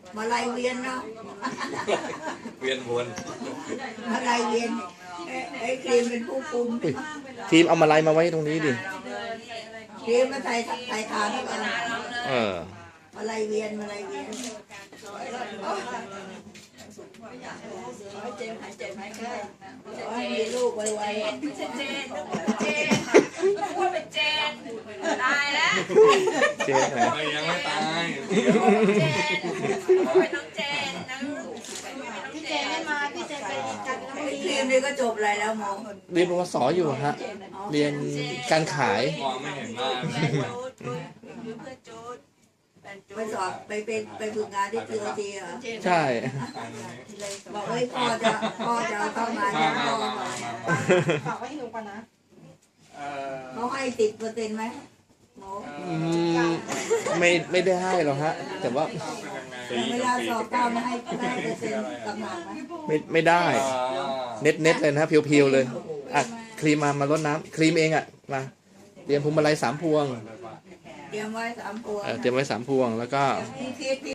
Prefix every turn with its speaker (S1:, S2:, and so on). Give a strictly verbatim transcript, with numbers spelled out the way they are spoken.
S1: มาลายเวียนเนาะ
S2: เวียนวน
S1: มาลายเวียนไอ้ครีมเป็นผู้คุม
S3: อุ๊ยทีมเอามาลัยมาไว้ตรงนี้ดิ
S1: ครีมมาใส่ใส่ทานแล้วกัน
S3: เออ
S1: มาลายเวียนมาลายเวียนขอให้เจ็บหายเจ็บหายไข้ขอให้มีลูกไวๆ
S4: ไม่ใช่เจนเจนพูดเป็นเจนตายแล้ว
S3: เจ๊ไหน
S2: ไม่ยังไม่ตาย
S4: เจนเป็นน้องเจนนะพี่เจนไม่มาพี่เจนไปกันแล้ว
S1: ไอ้ครีมนี่ก็จบอะไรแล้วหมอ
S3: เรียนปวสอยู่ฮะ เรียนการขาย
S2: มองไม่เห็นหน้า
S4: เพื่อนจูด
S1: ไปสอบไปเป็นไปฝึกงานที่ทีโอทีเหรอ
S3: ใช่
S1: บอกเฮ้ยพ่อจะพ่อจะเอาเข้ามา
S2: มา
S1: จะ
S2: มา
S1: พ่อ
S2: มา
S1: มา
S2: มา
S4: ฝากไว้ให้หนูก่อนนะ
S1: เขาให้ติดเปอร์เซ็นต์ไหมหมอ
S3: อืมไม่ไม่ได้ให้หรอกฮะ แต่ว่า
S1: เวลาสอบก้าวไม่ให้ไม่ให้เปอร์เซ็นต์กำลังไหม
S3: ไม่ไม่ได้ เน็ตเน็ตเลยนะเพียวๆเลยอ่ะครีมมามาลดน้ำครีมเองอ่ะมาเตรียมพวงมาลัยสามพวง
S1: เตรียมไว้สามพวง
S3: เออเตรียมไว้สามพวงแล้วก็
S1: พี่คิด